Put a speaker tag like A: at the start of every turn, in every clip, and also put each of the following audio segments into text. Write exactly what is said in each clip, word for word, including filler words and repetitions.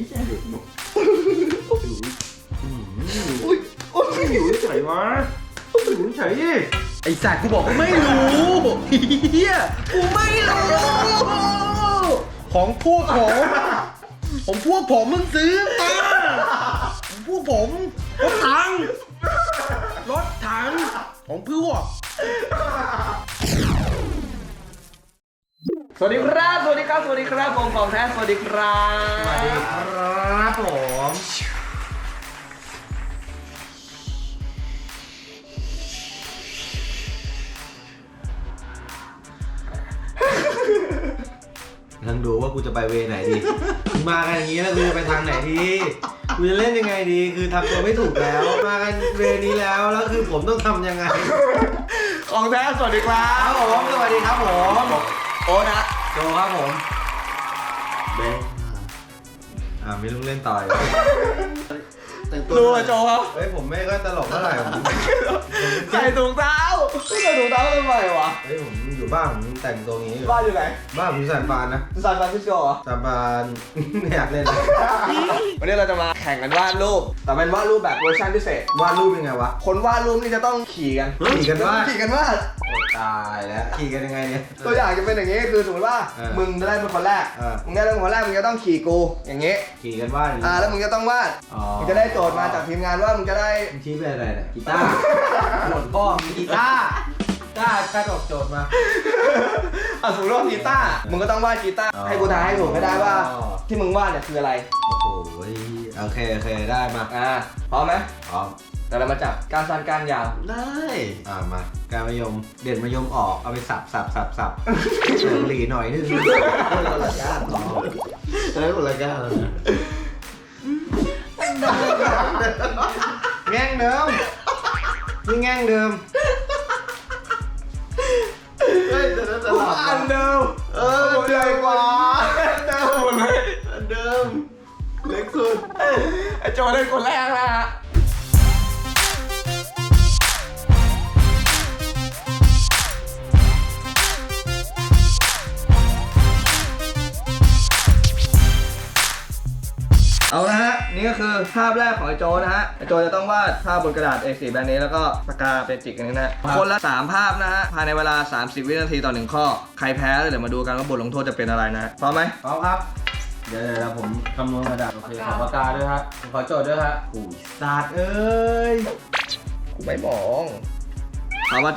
A: ใช่อุ้ยอุ้ยอยู่เฉยวะอยู่เฉยไอ้สัตว์กูบอกว่าไม่รู้เฮียกูไม่รู้ของพวกผมผมพวกผมมึงซื้อมาผมพวกผมรถถังรถถังของพวก
B: สวัสดีครับสวัสดีครับสวัสดีครับผมของแท้สวัสดีครับ
A: สวัสดีครับผมนั่งดูว่ากูจะไปเวไหนดีมากันอย่างนี้แล้วกูจะไปทางไหนดีกูจะเล่นยังไงดีคือทำตัวไม่ถูกแล้วมากันเวนี้แล้วแล้วคือผมต้องทำยังไง
B: ของแท้สวัสดีครับ
A: ผมสวัสดีครับผม
B: โอ้นะ
A: โจครับผมเบนอ่าไม่ต้องเล่นต่อย
B: รู้อะโจครับ
A: เฮ้ยผมไม่ก็ตลกเท่าไหร่ผม
B: ใส่ถุงเท้าใส่ถุงเท้าทำไมวะ
A: เฮ้ยผมอยู่บ้านผมแต่งตัวงี้
B: บ้านอยู่ไหน
A: บ้านผมอยู่ซานฟรานนะ
B: ซานฟรานซิสโกเหรอ
A: ซานฟรานไม่อยากเล่นเลย
B: วันนี้เราจะมาแข่งกันวาดรูปแต่เป็นวาดรูปแบบเวอร์ชันพิเศษ
A: วาดรูปยังไงวะ
B: คนวาดรูปนี่จะต้องขี่กัน
A: ขี่กันวาด
B: ขี่กันวาด
A: ตายแล้วขี่กันยังไงเนี่ย
B: ตัวอย่างจะเป็นอย่างงี้คือสมมติว่ามึงจะได้เป็นคนแรกมึงได้เป็นคนแรกมึงจะต้องขี่กูอย่างงี้
A: ขี่กันวาด
B: อ่าแล้วมึงจะต้องวาดมึงจะได้โจทย์มาจากทีมงานว่ามึงจะได้
A: มึงชี้เป็นอะไรเนี่ยกีตาร์หมดบ้องกีตาร์กีตาร์กระดกโจทย์มา
B: อ่ะสมมติว่ากีตาร์มึงก็ต้องวาดกีตาร์ให้กูทายให้ถูกไม่ได้ว่าที่มึงวาดเนี่ยคืออะไร
A: โอ้โหโอเคโอเคได้มา
B: อ่าพร้อมไหม
A: พร้อม
B: แต่เรามาจับการสั้นการยาว
A: ได้อ่ามาการมะยมเด่นมะยมออกเอาไปสับสับสับสับหลีหน่อยนึงคนละก้านต่อแล้วคนละก้านแง่งเดิมนี่แง่งเดิม
B: เฮ้ยแต่นั่นจะหลับอันเดิมเออใหญ่กว่าเดิมหมดเลยอันเดิมเล็กสุดไอโจได้คนแรกนะฮะเอาละฮะนี่ก็คือภาพแรกของไอโจนะฮะไอโจจะต้องวาดภาพบนกระดาษ เอ โฟร์ แบบนี้แล้วก็ปากกาเป็นจิกอันนี้นะคนละสามภาพนะฮะภายในเวลาสามสิบวินาทีต่อหนึ่งข้อใครแพ้เดี๋ยวมาดูกันว่าบทลงโทษจะเป็นอะไรนะพร้อมไหม
A: พร้อมครับเดี๋ยวเดี๋ยวผมคำนวณกระดาษโอเคขอปากกาด้วยฮะขอโจทย์ด้วยฮะอุ้ยศาสตร์เอ้ย
B: กูไม่มองเอามาโจ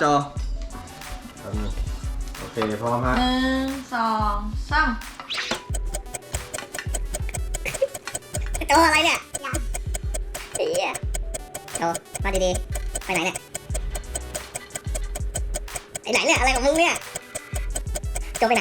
A: โอเคพร้อมฮะ
C: หนึ่งสองสาม
D: โตอะไรเนี่ยเฮียโตมาดีๆไปไหนเนี่ยไอ้ไหนเนี่ยอะไรของมึงเนี่ยโจไปไหน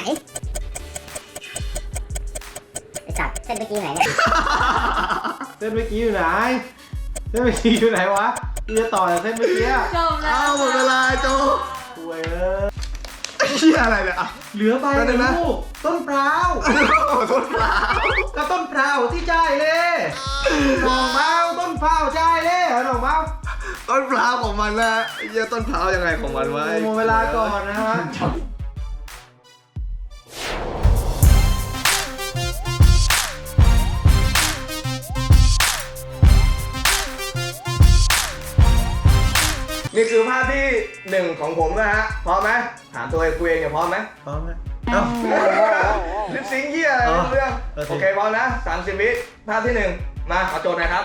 D: ไอ้สัตว์เส้นเมื่อกี้ไหนเนี่ย
A: เส้นเมื่อกี้อยู่ไหนเส้นเมื่อกี้อยู่ไหนวะจะต่อจากเส้นเมื่อกี้
C: จบแล้ว
B: เอาหมดเวลาโจ
A: ป่วยเออ
B: เฮียอะไรเนี่ย
A: เหลือใบนะต้นพร้าว
B: ต้นพร้าว
A: ก็ต้นพร้าวที่ใจเลยหน่อเมาต้นพร้าวใจเลยหน่อเมา
B: ต้นพร้าวของมันนะเฮียต้นพร้าวยังไงของมันไว้
A: หมดเวลาก่อนนะฮะ
B: นี่คือภาพที่หนึ่งของผมนะฮะพร้อมไหมถามตัวเองตัวเองเนี่ยพร้อมไหม
A: พร้อมไหม
B: เอ้าลิปซิงค์เหี้ยอะไรเรื่องโอเคพร้อมนะสามสิบวิภาพที่หนึ่งมาขอโจทย์หน่อยครับ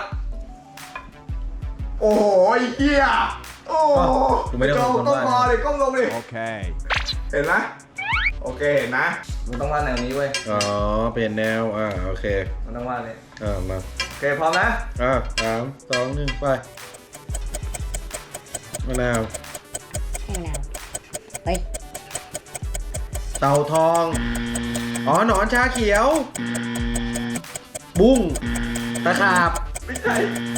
B: โอ้โหเหี้ยโอ้โหโจก้มคอเลยก้มลงดิโอเคเห็นไหมโอเคเห็นนะมันต้องวาดแนวนี้เว้ย
A: อ๋อเปลี่ยนแนวอ่าโอเค
B: มันต้องวาดเลย
A: อ่ามา
B: โอเคพร้อมนะ
A: อ่าสามสองหนึ่งไปมะนาว
D: มะนาวเฮ้ย
A: เต่าทองอ๋อหนอนชาเขียวบุ้งตะขาบ
B: ไม่ใช่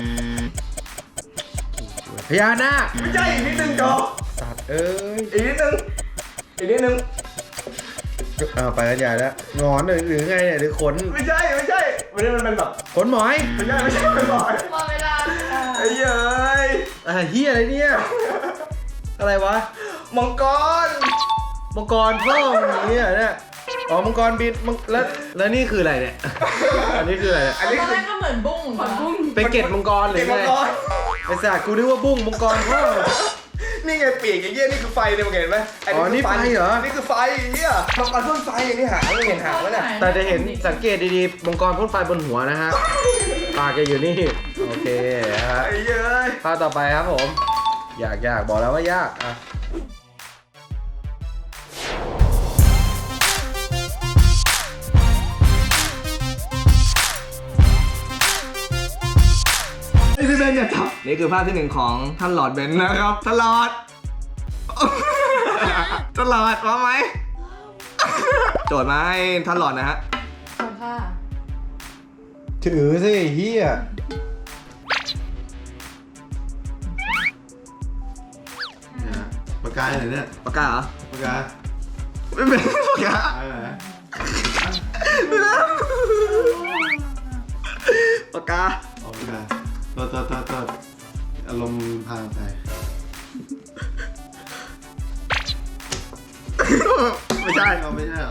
A: พญานาค
B: ไม่ใช่อีกนิดนึงโจ
A: สัตว์เอ้ย
B: อีกนิดนึงอีกนิดนึง
A: อ้าวไปกันใหญ่แล้วงอนหรือหรือไงเนี่ยหรือขน
B: ไม่ใช่ไม่ใช่วันนี้มันเป็นแบบ
A: ขนหมอย
B: ไม่ใช่ไม่ใช่ขนหมอย
C: หมดเวลา
B: ไอ้เย้ย
A: อะไรเฮียอะไรเนี่ยอะไรวะ
B: มังกร
A: มังกรพ่ออย่างนี้เนี่ยอ๋อมังกรบินมังแล้วแล้วนี่คืออะไรเนี่ย อันนี้คืออะไรเนี่ย
B: อันนี้
C: ตอน
B: คื
C: แร
B: อก
C: ก็เหมือนบุ้งเหมือนบุ้ง
A: เป็นเกล็ดมังกรหรือ
B: เก็บ
A: ไง
B: มังกร
A: ไอ้สัตว์กูนึกว่าบุ้งมังกรพ่อ
B: นี่ไงปีกอย่างเงี้ยนี่คือไฟเนี่ยมึงเห็นไหม
A: อ๋อนี่ไฟเหรอ
B: นี่คือไฟอย่างเงี้ยมังกรพ่นไฟอย่างนี้หางไม่เห็นหางไหมเนี่ย
A: แต่จะเห็นสังเกตดีๆมังกรพ่นไฟบนหัวนะฮะปากแกอยู่นี่โอเคนะฮะ
B: ไอ้เย้ย
A: ภาพต่อไปครับผมยากยากบอกแล้วว่ายากอ่ะ
B: นี่พี่เบนอย่าจับนี่คือภาพที่หนึ่งของท่านหลอดเบนนะครับท่านหลอด ท่านหลอดพร้อมไหม โจทย์มาให้ท่านหลอดนะฮะ
C: ขอบค่ะ
A: ถือสิเฮีย
E: ปากกาไหนเนี่ย
B: ปากกาเหรอ
E: ปากกา
B: ไม่เป็นปากกา
E: อะไรนะ
B: ไม่ได้ปากกา
E: ออกปากกาตัวตัวตัวตัวอารมณ์พาไป
B: ไม่ใช่
E: เอาไม่ใช่เอา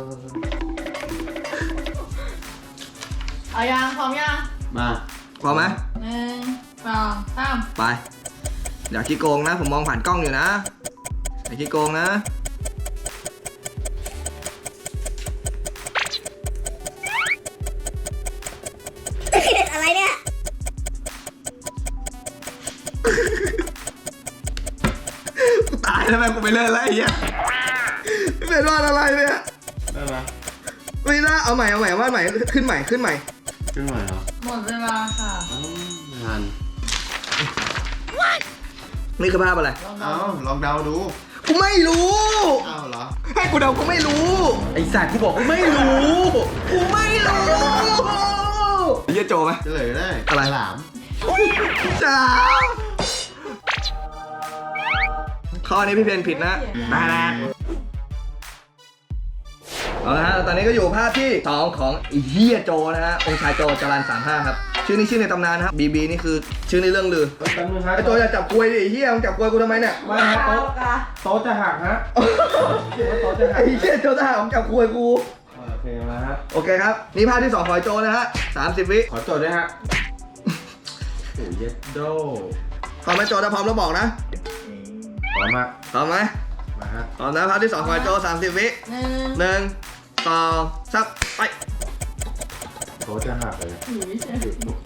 C: เอายังพร้อมยัง
E: มา
B: พร้อมไหม
C: หนึ่งสองสาม
B: ไปอย่าขี้โกงนะ ผมมองผ่านกล้องอยู่นะอย่าขี้โกงนะ
D: อะไรเนี่ย
B: กูตายแล้วแม่งกูไปเล่นแล้วไอ้เหี้ยไม่เป็นว่าอะไรเนี่ย
E: ได้ไหม
B: ไม่น่าเอาใหม่เอาใหม่ว่าใหม่ขึ้นใหม่ขึ้นใหม่
E: ขึ้นใหม่เหรอ
C: หมดเวลาค่ะ
E: อ้าวนาน
B: นี่คือภาพอะไร
C: ลอง
E: เอ้าลองเดาดู
B: กูไม่รู้
E: เอ้าเหรอ
B: ให้กูเดากูไม่รู้
A: ไอ้สัตว์กูบอกกูไม่รู้กูไม่รู้
B: ไอ้เหี้ยโจไหม
E: เฉลยได้
B: อะไร
E: หลาม
B: จ้าข้อนี้พี่เพนผิดนะมาแล้วเอาละฮะตอนนี้ก็อยู่ภาพที่สองของไอ้เฮียโจนะฮะองค์ชายโจจรันสามห้าครับชื่อนี้ชื่อในตำนานนะครับบีบีนี่คือชื่อในเรื่องลือ
A: แป๊บนึงครับ
B: ไอ้โจอย่าจับกลวยดิไอ้เฮียมึงจับกลวยกูทำไมเนี่ย
A: ไม่ฮะโต๊ะโต๊ะจะหักฮะคิดว่าโต๊ะจะหัก
B: ไอ้เฮียโจทหารผมจับกลวยกู
A: โอเคมาฮะ
B: โอเคครับนี่ภาพที่สองของไอ้โจนะฮะสามสิบวิ
A: ขอโจทย์ด้วยฮะโอ้ยเย็ดโด
B: พร้อมไหมโจถ้าพร้อมแล้วบอกนะ
A: พร้อมมาก
B: พร้อมไหม
A: มาฮะ
B: พร้อมนะภาพที่สองของไอ้โจสามสิบวิ
C: หนึ่ง
B: หนึ่งสองสามไป
A: โต๊ะจะหักเลย
C: หรือเฉย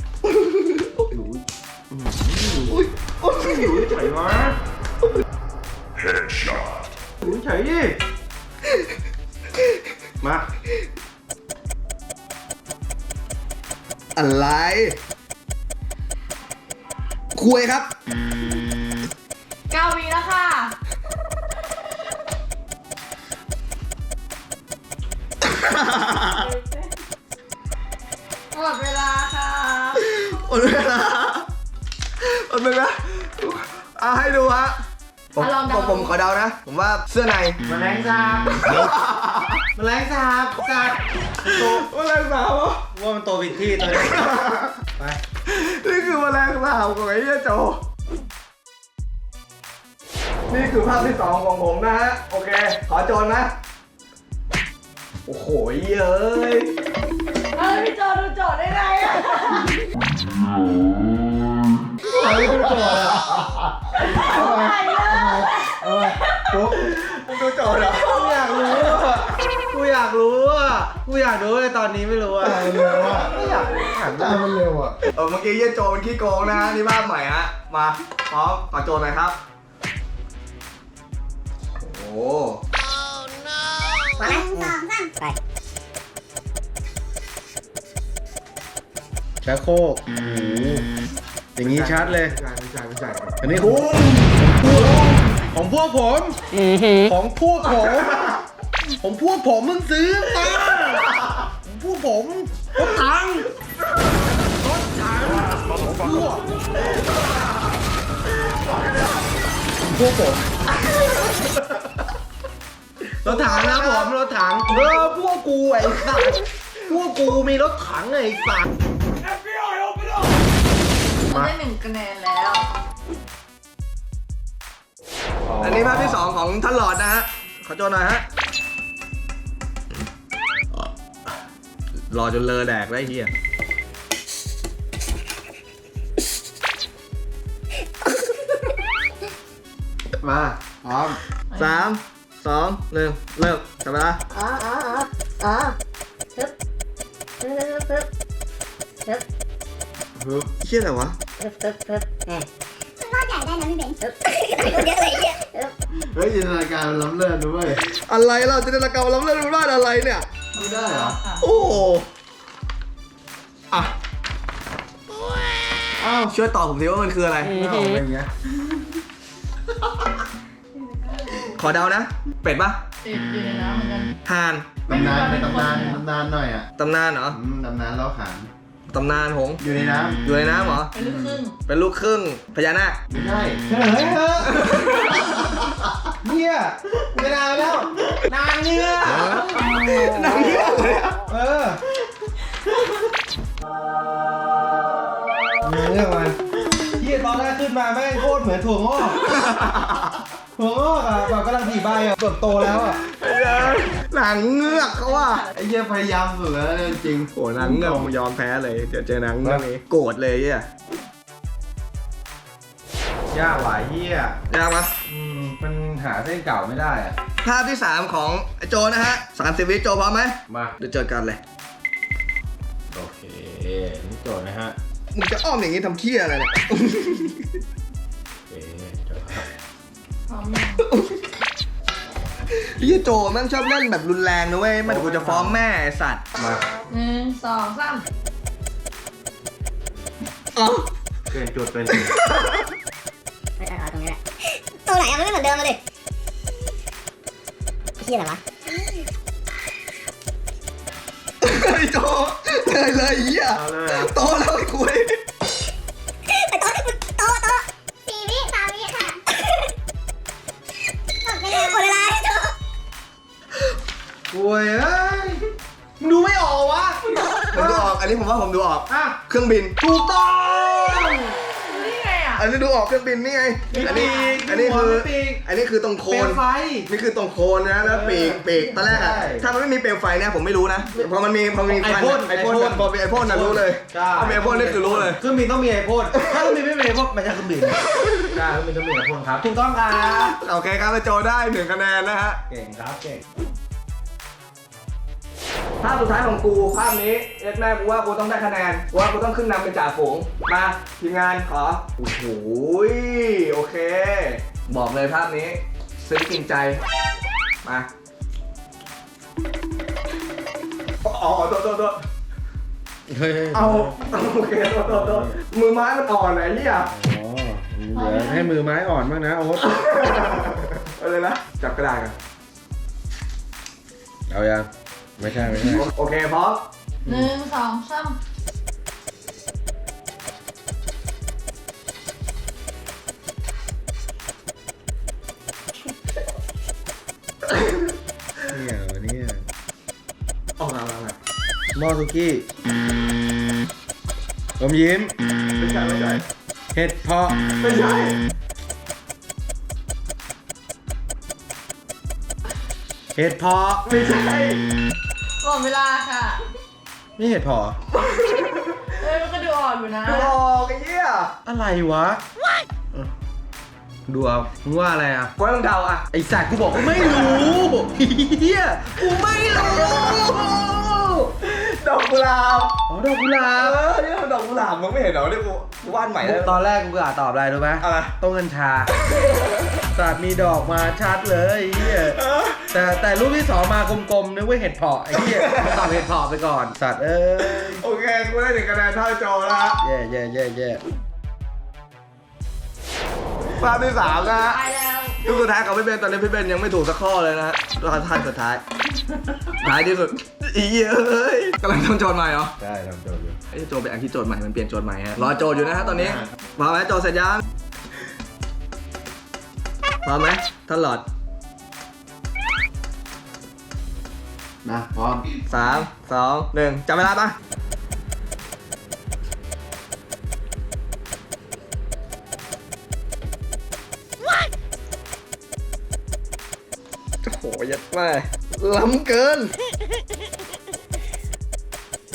A: อุ้ยอุ้ยอยู่เฉยวะ Headshot อยู่เฉยดิมา
B: อะไรคุยครับ
C: เก้าวีแล้วค่ะ หมดเวลาค่ะ
B: หมดเวลาหมดเวลาเอาให้ดูฮะผม
C: อ่ะลองเดา
B: ผมผมขอเดานะ ผมว่าเสื้อใน
A: แมลงสาบแมลงสาบสัตว์โต
B: แมลงสาบเหรอ
A: ว่ามันโตผิดที่ตัวนี้ไป
B: นี่คือแมลงสาบของไอ้เหี้ยโจ นี่คือภาพที่สองของผมนะฮะ โอเค ขอโจนนะ โอ้โหเย้ย
C: เฮ้ยพี่โจดูโจทย์ได้ไงอะ
A: เอาไม่ดูโจทย์อ่ะ
C: ไหนเลย
A: เอาไปปุ๊บ
B: มึงดูโจทย์เหรอ
A: กูอยากรู้อ่ะกูอยากรู้อ่ะกูอยากรู้เลยตอนนี้ไม่รู้อ่ะ
E: ตายเร็วอ่ะ
A: ไม่อยากรู้ถาม
E: ตายมันเร็วอ่ะ
B: เออเมื่อกี้เหี้ยโจมันขี้โกงนะฮะนี่ภาพใหม่ฮะ มาพร้อมขอโจทย์หน่อยครับ โอ้โห
D: มาไหมสองสามไป
A: ชักโครกโอ้โหอย่างนี้ชัดเลย
E: ไม่ใช่ไม่ใช่ไม่ใช่
A: อันนี้ของของพวกผม ของพวกผม ของพวกผมมึงซื้อมาของพวกผมรถถังรถถังของพวกพวกผมรถถังนะผมรถถังเออพวกกูไอ้สัตว์พวกกูมีรถถังไอ้สัตว์
C: มันได้หนึ่งคะแนนแล้ว
B: อันนี้ภาพที่สองของท่านหลอดนะฮะ ขอโจทย์หน่อยฮะรอจนเลอแดกได้เฮีย
E: มาพร้อม
B: สามสองหนึ่งเริ่มจับเวลา
D: อ๋ออ๋ออ๋ออ๋อฮึบฮึบฮึบฮึบ
E: ฮึบ
B: เฮียอะไรวะ
D: ฮึบฮึบฮึบแหมมันรอดใหญ่ได้นะพี่เบนฮึบเยอะเลยเยอะฮึบ
E: เฮ้ยจินตนาการมันล้ำเลิศด้วย
B: อะไรเราจะได้ละเกาล้ำเลิศรู้ว่าอะไรเนี่ย
E: ไม่ได้เหรอ
B: โอ้โหอ่ะ
E: อ้าว
B: ช่วยตอบผมทีว่ามันคืออะไร
E: เอาเป็นไง
B: ขอเดานะ เป็ดปะ
C: ติดอยู่ในน้ำเหมือนกัน
B: ห่าน
E: ตำนานในตำนานตำนานหน่อยอ่ะ
B: ตำนานเหรอ
E: อืมตำนานเล่าขาน
B: ตำนานหงส์
E: อยู่ในน้
B: อยู่ในน้ำเหรอ
C: เป็นลูกครึ่ง
B: เป็นลูกครึ่งพญานาค
E: ำไม่ใช่
A: เฉลยเถอะเนี่ยไม่นานแล้ว นานเนื้อ
B: หนังเยอะเลยอะ
A: เออเนื้อมันเฮียตอนแรกขึ้นมาแม่งโคตรเหมือนถั่วงอกถั่วงอกอ่ะแบบกำลังผีใบอ่ะเติบโตแล้วอ่ะ
B: หนังเงือกเขาว่า
E: ไอ้เหี้ยพยายามสุดแล้วจริง
B: โอ้หนังเงือกผมยอมแพ้เลยเดี๋ยวเจอหนังเงือกนี้โกรธเลยเฮีย
A: ยากหลายเฮีย
B: ยากปะ
A: อืมมันหาเส้นเก่าไม่ได้อ่ะ
B: ภาพที่สามของไอ้โจนะฮะสามสิบวิโจพร้อมไหม
A: มา
B: เดี๋ยวเจอกันเลย
A: โอเคนี่โจทย์นะฮะ
B: มึงจะอ้อมอย่างนี้ทำเคี้ยอะไรเนี่ย
A: โอเคโจทย์ครับ
C: พร้อมยัง
B: พี่โจแม่งชอบเล่นแบบรุนแรงนะเว้ยมันเดี๋ยวกูจะฟ้องแม่ไอ้สัตว์
A: มา
C: หนึ่งสองสาม
B: อ๋อ
A: เกินจุดไปเลย
D: เออเอาตรงนี้แหละตรงไหนอะมันไม่เหมือนเดิมเลยเฮียอะไรวะ
B: ไอ้โจเลยเลยเหี้ย
A: เอาเลยอ่ะ
B: โตแล้วไอ้คุย
D: ไอ้โต๊ะโต๊ะโต๊ะสี่วิสามวิค่ะหมดเวลาหมดเวลาไอ้โต๊ะ
A: โอ้ยเอ้ยมึงดูไม่ออกวะ
B: ผมดูออกอันนี้ผมว่าผมดูออก
A: อ่ะ
B: เครื่องบิน
A: ถูกต้อง
C: รู้ได้ไงอ่ะ
B: อันนี้ดูออกเครื่องบินนี่ไง
A: มี
B: อัน
A: ปี
B: นี้
A: ก
B: อันนี้
A: มีหัว
B: คือ
A: มีปีก
B: อันนี้คือตรงโค
A: เปล
B: น
A: วไฟ
B: นี่คือตรงโคนนะแล้วปีกปีกตอนแรกอะ
A: ใช่
B: ถ้ามันไม่มีเปลวไฟเนี่ยผมไม่รู้นะพอมันมีพอมี
A: ไอพ่น
B: ไอพ่น
A: ไอพ่น
B: พอมีไอพ่นน่ะรู้เลย
A: ใช่
B: พอมีไอพ่นนี่คือรู้เลย
A: เครื่องบินต้องมีไอพ่นถ้าเครื่องบินไม่มีไอพ่นมันจะเครื่องบินใช่เครื่องบินต้องมีไอพ่นครับถูกต้องครับ
B: โอเคครับไอโจได้หนึ่งคะแนนนะฮะ
A: เก่งครับเก่ง
B: ภาพสุดท้ายของกูภาพนี้เอ็ดแม่กูว่ากูต้องได้คะแนนกูว่ากูต้องขึ้นนำเป็นจ่าฝูงมาทีมงานขอโอ้โหโอเค บอกเลยภาพนี้ซึ้งกินใจมาอ๋อโทษโทษโทษ
A: เฮ้ย
B: เอาโอเคโทษโทษโทษมือไม้มันอ่อนไหนเนี่ย
A: อ๋อเดี๋ยวให้มือไม้อ่อนบ้างนะโอ๊ต
B: เอาเลยนะจับกระดาษกัน
A: เอายังไม่ใช่ไม่ใช่
B: โอเคพร้อม
C: หนึ่งสองสาม
A: เนี่ยวันนี้
B: ออกมาแล้วนะ
A: หม้อซุกี้อมยิ้ม
B: ไม่ใช่ไม่ใช่
A: เห็ดเพาะ
B: ไม่ใช่
A: เห็ดเพาะ
B: ไม่ใช่
C: หมดเวลาค่ะ
A: นี่เห็ดเพาะ
C: เอ้ยมันก็ดูอ่อนอยู่นะ
B: ดูออกไอ้เหี้ย
A: อะไรวะเออดูเอามึงว่าอะไรอ่ะ
B: กูต้องเดาอ่ะ
A: ไอสัตว์กูบอกกูไม่รู้เฮียกูไม่รู้
B: ดอกกุหลาบ
A: อ๋อดอกกุหลา
B: เอบ อนี่มันดอกกุหลาบมึงไม่เห็นเหรอเนี่ยกูกูวาดใหม่แล้ว
A: ตอนแรกกูกะตอบอะไรรู้ไหม
B: อะไร
A: ต้นกัญชาสัตว์มีดอกมาชัดเลยไอ้เฮีย
B: เออ
A: แต่แต่รูปที่สองมากลมๆนึกว่าเห็ดเพาะไอ้เฮียตอบเห็ดเพาะไปก่อนสัตว์เอ้ย
B: โอเคกูได้หนึ่งคะแนนเท่าโจแล้วฮะ
A: แย่แย่แย่แย่
B: ภาพที่สามนะฮะ
C: ตายแล้ว
B: ลูกสุดท้ายของพี่เบนตอนนี้พี่เบนยังไม่ถูกสักข้อเลยนะฮะรอท่านสุดท้ายท้ายที่สุดอีเอ้ยกำลังทำโจทย์ใหม่เหรอ
A: ได้ทำโจทย์อยู่
B: ไอ้โจทย์เป็นอันที่โจทย์ใหม่มันเปลี่ยนโจทย์ใหม่ฮะรอโจทย์อยู่นะฮะตอนนี้พร้อมไหมโจทย์เสร็จยังพร้อมไหมท่านหลอด
E: นะพร้อม
B: สามสองหนึ่งจับเวลาปะโอ้โหยัดแม่ล้ำเกิน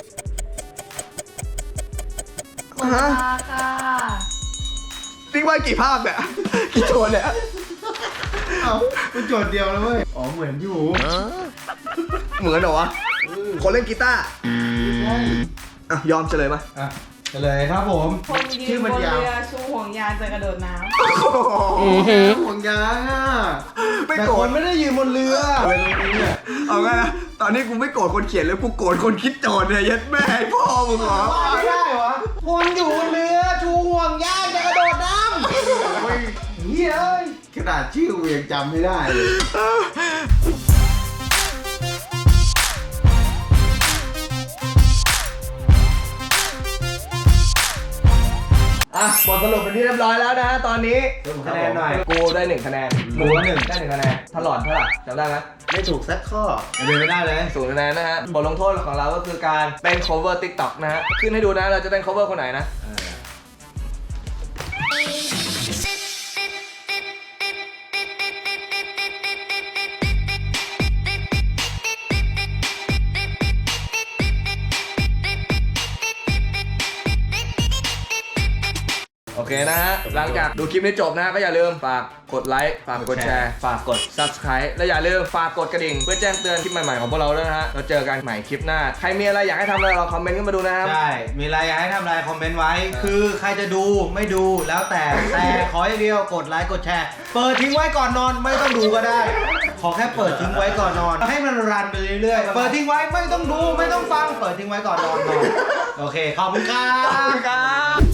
B: ฮะ
C: มาค่ะ
B: ติ๊กว่ากี่ภาพเนี่ย กี่โจทย์เนี่ย
E: เอ้าเป็นโจทย์เดียวเลยเว้ย อ๋อเหมือนอยู่
B: เหมือนเหรอวะ คนเล่นกีตาร์
E: ใช่
B: อ่ะยอมเฉลยมา
E: อ่ะเฉลยครับผม
C: คนยื
E: ชื่
C: น
E: อบ มัน
C: น
E: ยาว
C: เรือชูห่วงยางจะกระโดดน้
E: ห่วงยางอ่ะ
B: ไม่
E: แต่
B: โกร
E: ค
B: ธ
E: นไม่ได้ยืนบนเรืออะไรตรงนี้เนี่ย
B: เอาไงนะตอนนี้กูไม่โกรธคนเขียนเลยกูโกรธคนคิดโจทย์เนี่ยยัดแม่ให้พ่อมึงเหรอ
E: ไม่ได้วะคนอยู่บนเรือชูห่วงยางจะกระโดดน้ำโอ้ยเฮ้ยเอ้ยขนาดชื่อกูยังจำไม่ได้เลย
B: อ่ะบทสรุปเป็นที่เรียบร้อยแล้วนะฮะตอนนี้
E: คะแนนหน่อย
B: กูได้หนึ่งคะแนน
E: หมูหนึ่ง
B: ได้หนึ่งคะแนนถลอดเท่าไหร่จำได้ไหม
E: ไม่ถูกสักข้อเป็นไม่ได้เลย
B: ศูนย์คะแนนนะฮะบทลงโทษของเราก็คือการเต้น cover TikTok นะฮะขึ้นให้ดูนะเราจะเต้น cover คนไหนนะโอเคนะฮะหลังจากดูคลิปนี้จบนะฮะก็อย่าลืมฝากกดไลค์ฝากกดแชร์ฝากกด Subscribe และอย่าลืมฝากกดกระดิ่งเพื่อแจ้งเตือนคลิปใหม่ๆของพวกเราด้วยนะฮะเราเจอกันใหม่คลิปหน้าใครมีอะไรอยากให้ทำอะไรลองคอมเมนต์ขึ้นมาดูนะครับ
A: ใช่ มีอะไรอยากให้ทำอะไรคอมเมนต์ไว้ คือใครจะดูไม่ดูแล้วแต่ แต่ขออย่างเดียวกดไลค์กดแชร์ เปิดทิ้งไว้ก่อนนอนไม่ต้องดูก็ได้ ขอแค่เปิดทิ้งไว้ก่อนนอน ให้มันรันไปเรื่อยๆ เปิดทิ้งไว้ไม่ต้องดูไม่ต้องฟัง เปิดทิ้งไว้ก่อนนอนนอน โอเค ขอบคุณครับ
B: ครับ